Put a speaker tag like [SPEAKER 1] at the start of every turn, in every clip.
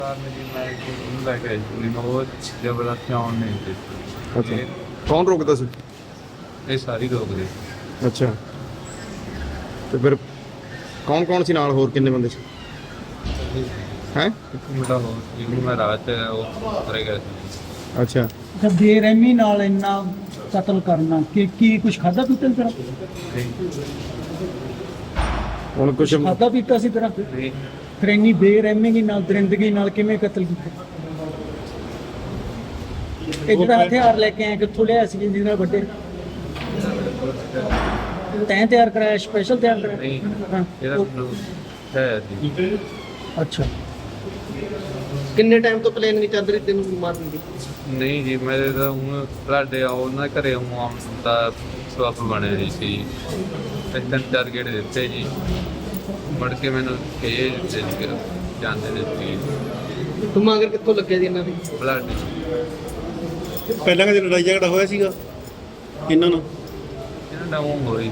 [SPEAKER 1] ਮੇਰੀ ਮੈਂ ਉਹਨੂੰ ਲੈ ਕੇ ਆਈ ਸੀ ਮੈਂ ਉਹ ਜ਼ਬਰਦਸਤੀ ਆਉਣ ਨਹੀਂ ਦਿੱਤੀ।
[SPEAKER 2] ਅੱਛਾ, ਕੌਣ ਰੋਕਦਾ ਸੀ?
[SPEAKER 1] ਇਹ ਸਾਰੀ ਰੋਕਦੇ।
[SPEAKER 2] ਅੱਛਾ, ਤੇ ਫਿਰ ਕੌਣ ਸੀ ਨਾਲ? ਹੋਰ ਕਿੰਨੇ ਬੰਦੇ ਸੀ? ਹੈ
[SPEAKER 1] ਇੱਕ ਮੁੰਡਾ ਹੋਰ ਜਿਹਨੂੰ ਮੈਂ ਰਾਤ ਉਹ ਉਤਰੇ ਗਿਆ ਸੀ।
[SPEAKER 2] ਅੱਛਾ,
[SPEAKER 3] ਜਦ ਬੇਰਹਿਮੀ ਨਾਲ ਇੰਨਾ ਕਤਲ ਕਰਨਾ ਕੀ ਕੁਝ ਖਾਦਾ ਪੀਤਾ ਸੀ ਤੇਰਾ?
[SPEAKER 2] ਹੁਣ ਕੁਛ
[SPEAKER 3] ਖਾਦਾ ਪੀਤਾ ਸੀ ਤੇਰਾ?
[SPEAKER 1] ਨਹੀਂ
[SPEAKER 3] ਫਿਰ ਇੰਨੀ ਬੇਰਹਿਮੀ ਨਾਲ ਦਰਿੰਦਗੀ ਨਾਲ ਕਿਵੇਂ ਕਤਲ ਕੀਤਾ? ਇਹ ਜਿਹੜਾ ਹਥਿਆਰ ਲੈ ਕੇ ਆਇਆ ਕਿੱਥੋਂ ਲਿਆ ਸੀ ਜਿਹਦੇ ਨਾਲ ਵੱਡੇ? ਤੈਂ ਤਿਆਰ ਕਰਾਇਆ, ਸਪੈਸ਼ਲ ਤਿਆਰ ਕਰਾਇਆ?
[SPEAKER 1] ਨਹੀਂ
[SPEAKER 3] ਹਾਂ।
[SPEAKER 1] ਇਹਦਾ ਮੈਨੂੰ ਹੈ ਸੀ।
[SPEAKER 3] ਅੱਛਾ,
[SPEAKER 4] ਕਿੰਨੇ ਟਾਈਮ ਤੋਂ ਪਲੈਨਿੰਗ ਚੱਲ ਰਹੀ ਤੈਨੂੰ ਮਾਰਨ ਦੀ?
[SPEAKER 1] ਨਹੀਂ ਜੀ ਮੇਰੇ ਤਾਂ ਹੁਣ ਤੁਹਾਡੇ ਉਹਨਾਂ ਦੇ ਘਰੇ ਆਉਣ ਦਾ ਸਬਬ ਬਣਿਆ ਜੀ ਸੀ। ਤਿੰਨ ਚਾਰ ਗੇੜੇ ਦਿੱਤੇ ਜੀ, ਮੁੜ ਕੇ ਮੈਨੂੰ ਇਹ ਜਾਂਦੇ ਨੇ ਸੀ
[SPEAKER 4] ਤੂੰ ਮਗਰ ਕਿੱਥੋਂ ਲੱਗਿਆ ਜੀ ਇਹਨਾਂ ਦੀ?
[SPEAKER 1] ਬਲੱਡ।
[SPEAKER 5] ਪਹਿਲਾਂ ਕਦੇ ਲੜਾਈ ਝਗੜਾ ਹੋਇਆ ਸੀਗਾ ਇਹਨਾਂ ਨਾਲ?
[SPEAKER 1] ਇਹਨਾਂ ਦਾ ਉਹ ਹੋਈ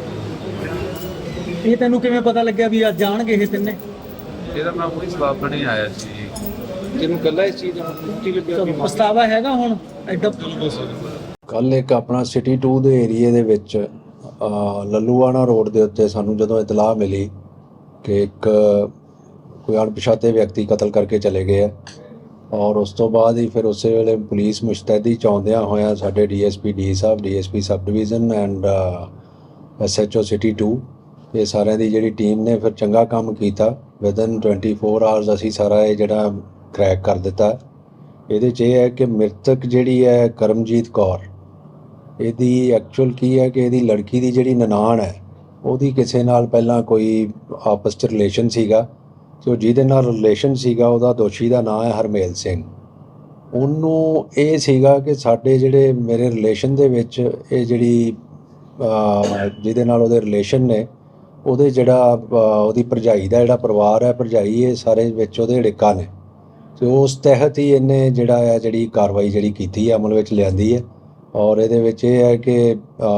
[SPEAKER 3] ਇਹ ਤੈਨੂੰ ਕਿਵੇਂ ਪਤਾ ਲੱਗਿਆ ਵੀ ਅੱਜ ਜਾਣਗੇ ਇਹ ਤਿੰਨੇ?
[SPEAKER 1] ਇਹਦਾ ਮੈਂ ਕੋਈ ਸਬਬ ਨਹੀਂ ਆਇਆ ਸੀ।
[SPEAKER 4] ਤੈਨੂੰ ਕੱਲਾ ਇਸ ਚੀਜ਼ ਦਾ ਕੀ ਲੱਗਿਆ ਵੀ
[SPEAKER 3] ਪਛਤਾਵਾ ਹੈਗਾ ਹੁਣ ਐਡਾ?
[SPEAKER 6] ਕੱਲ੍ਹ ਇੱਕ ਆਪਣਾ ਸਿਟੀ 2 ਦੇ ਏਰੀਏ ਦੇ ਵਿੱਚ ਲੱਲੂਆਣਾ ਰੋਡ ਦੇ ਉੱਤੇ ਸਾਨੂੰ ਜਦੋਂ ਇਤਲਾਹ ਮਿਲੀ ਕਿ ਇੱਕ ਕੋਈ ਅਣਪਛਾਤੇ ਵਿਅਕਤੀ ਕਤਲ ਕਰਕੇ ਚਲੇ ਗਏ ਆ, ਔਰ ਉਸ ਤੋਂ ਬਾਅਦ ਹੀ ਫਿਰ ਉਸੇ ਵੇਲੇ ਪੁਲਿਸ ਮੁਸ਼ਤੈਦੀ 'ਚ ਆਉਂਦਿਆਂ ਹੋਇਆਂ ਸਾਡੇ ਡੀਐਸਪੀ ਡੀ ਸਾਹਿਬ, DSP sub division and SHO city 2, ਇਹ ਸਾਰਿਆਂ ਦੀ ਜਿਹੜੀ ਟੀਮ ਨੇ ਫਿਰ ਚੰਗਾ ਕੰਮ ਕੀਤਾ। ਵਿਦਨ 24 ਆਵਰਸ ਅਸੀਂ ਸਾਰਾ ਇਹ ਜਿਹੜਾ ਕਰੈਕ ਕਰ ਦਿੱਤਾ। ਇਹਦੇ 'ਚ ਇਹ ਹੈ ਕਿ ਮ੍ਰਿਤਕ ਜਿਹੜੀ ਹੈ ਕਰਮਜੀਤ ਕੌਰ, ਇਹਦੀ ਐਕਚੁਅਲ ਕੀ ਹੈ ਕਿ ਇਹਦੀ ਲੜਕੀ ਦੀ ਜਿਹੜੀ ਨਨਾਣ ਹੈ ਉਹਦੀ ਕਿਸੇ ਨਾਲ ਪਹਿਲਾਂ ਕੋਈ ਆਪਸ 'ਚ ਰਿਲੇਸ਼ਨ ਸੀਗਾ, ਤੇ ਉਹ ਜਿਹਦੇ ਨਾਲ ਰਿਲੇਸ਼ਨ ਸੀਗਾ ਉਹਦਾ ਦੋਸ਼ੀ ਦਾ ਨਾਮ ਹੈ ਹਰਮੇਲ ਸਿੰਘ। ਉਹਨੂੰ ਇਹ ਸੀਗਾ ਕਿ ਸਾਡੇ ਜਿਹੜੇ ਮੇਰੇ ਰਿਲੇਸ਼ਨ ਦੇ ਵਿੱਚ ਇਹ ਜਿਹੜੀ ਜਿਹਦੇ ਨਾਲ ਉਹਦੇ ਰਿਲੇਸ਼ਨ ਨੇ ਉਹਦੇ ਜਿਹੜਾ ਉਹਦੀ ਭਰਜਾਈ ਦਾ ਜਿਹੜਾ ਪਰਿਵਾਰ ਹੈ, ਭਰਜਾਈ ਇਹ ਸਾਰੇ ਵਿੱਚ ਉਹਦੇ ੜਿੱਕਾ ਨੇ, ਤੇ ਉਸ ਤਹਿਤ ਹੀ ਇਹਨੇ ਜਿਹੜੀ ਕਾਰਵਾਈ ਜਿਹੜੀ ਕੀਤੀ ਹੈ ਅਮਲ ਵਿੱਚ ਲਿਆਂਦੀ ਹੈ। ਔਰ ਇਹਦੇ ਵਿੱਚ ਇਹ ਹੈ ਕਿ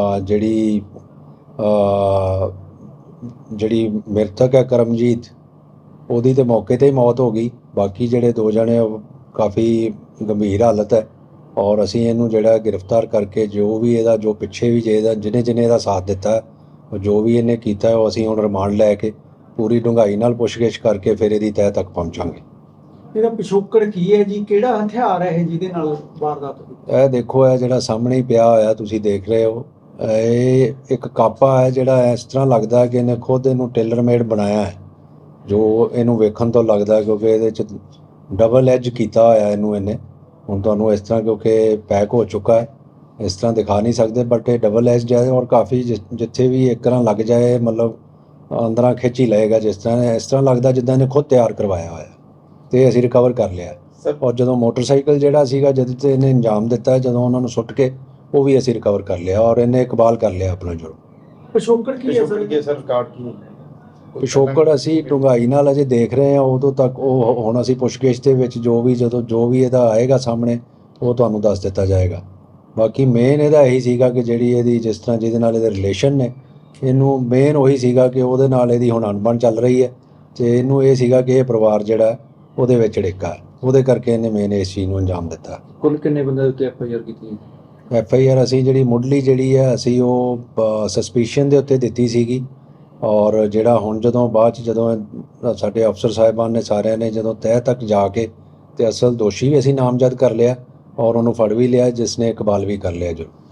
[SPEAKER 6] ਜਿਹੜੀ ਮ੍ਰਿਤਕ ਹੈ ਕਰਮਜੀਤ, ਉਹਦੀ ਤੇ ਮੌਕੇ 'ਤੇ ਹੀ ਮੌਤ ਹੋ ਗਈ। ਬਾਕੀ ਜਿਹੜੇ ਦੋ ਜਣੇ ਉਹ ਕਾਫੀ ਗੰਭੀਰ ਹਾਲਤ ਹੈ, ਔਰ ਅਸੀਂ ਇਹਨੂੰ ਜਿਹੜਾ ਗ੍ਰਿਫਤਾਰ ਕਰਕੇ ਜੋ ਵੀ ਇਹਦਾ ਜੋ ਪਿੱਛੇ ਵੀ ਜਿਹਨੇ ਇਹਦਾ ਸਾਥ ਦਿੱਤਾ, ਉਹ ਜੋ ਵੀ ਇਹਨੇ ਕੀਤਾ ਉਹ ਅਸੀਂ ਹੁਣ ਰਿਮਾਂਡ ਲੈ ਕੇ ਪੂਰੀ ਡੂੰਘਾਈ ਨਾਲ ਪੁੱਛਗਿੱਛ ਕਰਕੇ ਫਿਰ ਇਹਦੀ ਤਹਿ ਤੱਕ ਪਹੁੰਚਾਂਗੇ।
[SPEAKER 3] ਇਹਦਾ ਪਿਛੋਕੜ ਕੀ ਹੈ ਜੀ? ਕਿਹੜਾ ਹਥਿਆਰ ਹੈ ਇਹ ਜਿਹਦੇ ਨਾਲ ਵਾਰਦਾਤ ਹੋਈ?
[SPEAKER 6] ਇਹ ਦੇਖੋ, ਇਹ ਜਿਹੜਾ ਸਾਹਮਣੇ ਹੀ ਪਿਆ ਹੋਇਆ ਤੁਸੀਂ ਦੇਖ ਰਹੇ ਹੋ, ਇਹ ਇੱਕ ਕਾਪਾ ਹੈ ਜਿਹੜਾ ਇਸ ਤਰ੍ਹਾਂ ਲੱਗਦਾ ਕਿ ਇਹਨੇ ਖੁਦ ਇਹਨੂੰ ਟੇਲਰ ਮੇਡ ਬਣਾਇਆ ਹੈ, ਜੋ ਇਹਨੂੰ ਵੇਖਣ ਤੋਂ ਲੱਗਦਾ, ਕਿਉਂਕਿ ਇਹਦੇ 'ਚ ਡਬਲ ਐਜ ਕੀਤਾ ਹੋਇਆ ਇਹਨੂੰ ਇਹਨੇ। ਹੁਣ ਤੁਹਾਨੂੰ ਇਸ ਤਰ੍ਹਾਂ ਕਿਉਂਕਿ ਪੈਕ ਹੋ ਚੁੱਕਾ ਹੈ, ਇਸ ਤਰ੍ਹਾਂ ਦਿਖਾ ਨਹੀਂ ਸਕਦੇ, ਬਟ ਇਹ ਡਬਲ ਐਜ ਹੈ ਔਰ ਕਾਫੀ ਜਿੱਥੇ ਵੀ ਇੱਕ ਤਰ੍ਹਾਂ ਲੱਗ ਜਾਏ ਮਤਲਬ ਅੰਦਰਾਂ ਖਿੱਚ ਹੀ ਲਏਗਾ। ਇਸ ਤਰ੍ਹਾਂ ਲੱਗਦਾ ਜਿੱਦਾਂ ਇਹਨੇ ਖੁਦ ਤਿਆਰ ਕਰਵਾਇਆ ਹੋਇਆ, ਤੇ ਅਸੀਂ ਰਿਕਵਰ ਕਰ ਲਿਆ। ਔਰ ਜਦੋਂ ਮੋਟਰਸਾਈਕਲ ਜਿਹੜਾ ਸੀਗਾ ਜਿਹਦੇ 'ਤੇ ਇਹਨੇ ਅੰਜਾਮ ਦਿੱਤਾ, ਜਦੋਂ ਉਹਨਾਂ ਨੂੰ ਸੁੱਟ ਕੇ ਉਹ ਵੀ ਅਸੀਂ ਰਿਕਵਰ ਕਰ ਲਿਆ, ਔਰ ਇਹਨੇ ਇਕਬਾਲ ਕਰ ਲਿਆ ਆਪਣਾ ਜੁਰਮ।
[SPEAKER 3] ਪਿਛੋਕੜ ਕੀ ਹੈ ਸਰ?
[SPEAKER 6] ਪਿਛੋਕੜ ਅਸੀਂ ਡੂੰਘਾਈ ਨਾਲ ਅਜੇ ਦੇਖ ਰਹੇ ਹਾਂ, ਉਦੋਂ ਤੱਕ ਉਹ ਹੁਣ ਅਸੀਂ ਪੁੱਛਗਿੱਛ ਦੇ ਵਿੱਚ ਜੋ ਵੀ ਇਹਦਾ ਆਏਗਾ ਸਾਹਮਣੇ ਉਹ ਤੁਹਾਨੂੰ ਦੱਸ ਦਿੱਤਾ ਜਾਏਗਾ। ਬਾਕੀ ਮੇਨ ਇਹਦਾ ਇਹੀ ਸੀਗਾ ਕਿ ਜਿਹੜੀ ਇਹਦੀ ਜਿਸ ਤਰ੍ਹਾਂ ਜਿਹਦੇ ਨਾਲ ਇਹਦੇ ਰਿਲੇਸ਼ਨ ਨੇ, ਇਹਨੂੰ ਮੇਨ ਉਹੀ ਸੀਗਾ ਕਿ ਉਹਦੇ ਨਾਲ ਇਹਦੀ ਹੁਣ ਅਣਬਣ ਚੱਲ ਰਹੀ ਹੈ, ਅਤੇ ਇਹਨੂੰ ਇਹ ਸੀਗਾ ਕਿ ਇਹ ਪਰਿਵਾਰ ਜਿਹੜਾ ਉਹਦੇ ਵਿੱਚ ੜਿੱਕਾ, ਉਹਦੇ ਕਰਕੇ ਇਹਨੇ ਮੇਨ ਇਸ ਚੀਜ਼ ਨੂੰ ਅੰਜਾਮ ਦਿੱਤਾ।
[SPEAKER 4] ਕੁੱਲ ਕਿੰਨੇ ਬੰਦੇ ਉੱਤੇ ਐਫਆਈਆਰ ਕੀਤੀ?
[SPEAKER 6] ਐਫਆਈਆਰ ਅਸੀਂ ਜਿਹੜੀ ਮੁੱਢਲੀ ਜਿਹੜੀ ਹੈ ਅਸੀਂ ਉਹ ਸਸਪੀਸ਼ਨ ਦੇ ਉੱਤੇ ਦਿੱਤੀ ਸੀਗੀ, ਔਰ ਜਿਹੜਾ ਹੁਣ ਜਦੋਂ ਸਾਡੇ ਅਫਸਰ ਸਾਹਿਬਾਨ ਨੇ ਸਾਰਿਆਂ ਨੇ ਜਦੋਂ ਤਹਿ ਤੱਕ ਜਾ ਕੇ ਤੇ ਅਸਲ ਦੋਸ਼ੀ ਵੀ ਅਸੀਂ ਨਾਮਜ਼ਦ ਕਰ ਲਿਆ ਔਰ ਉਹਨੂੰ ਫੜ ਵੀ ਲਿਆ, ਜਿਸ ਨੇ ਇਕਬਾਲ ਵੀ ਕਰ ਲਿਆ ਜੋ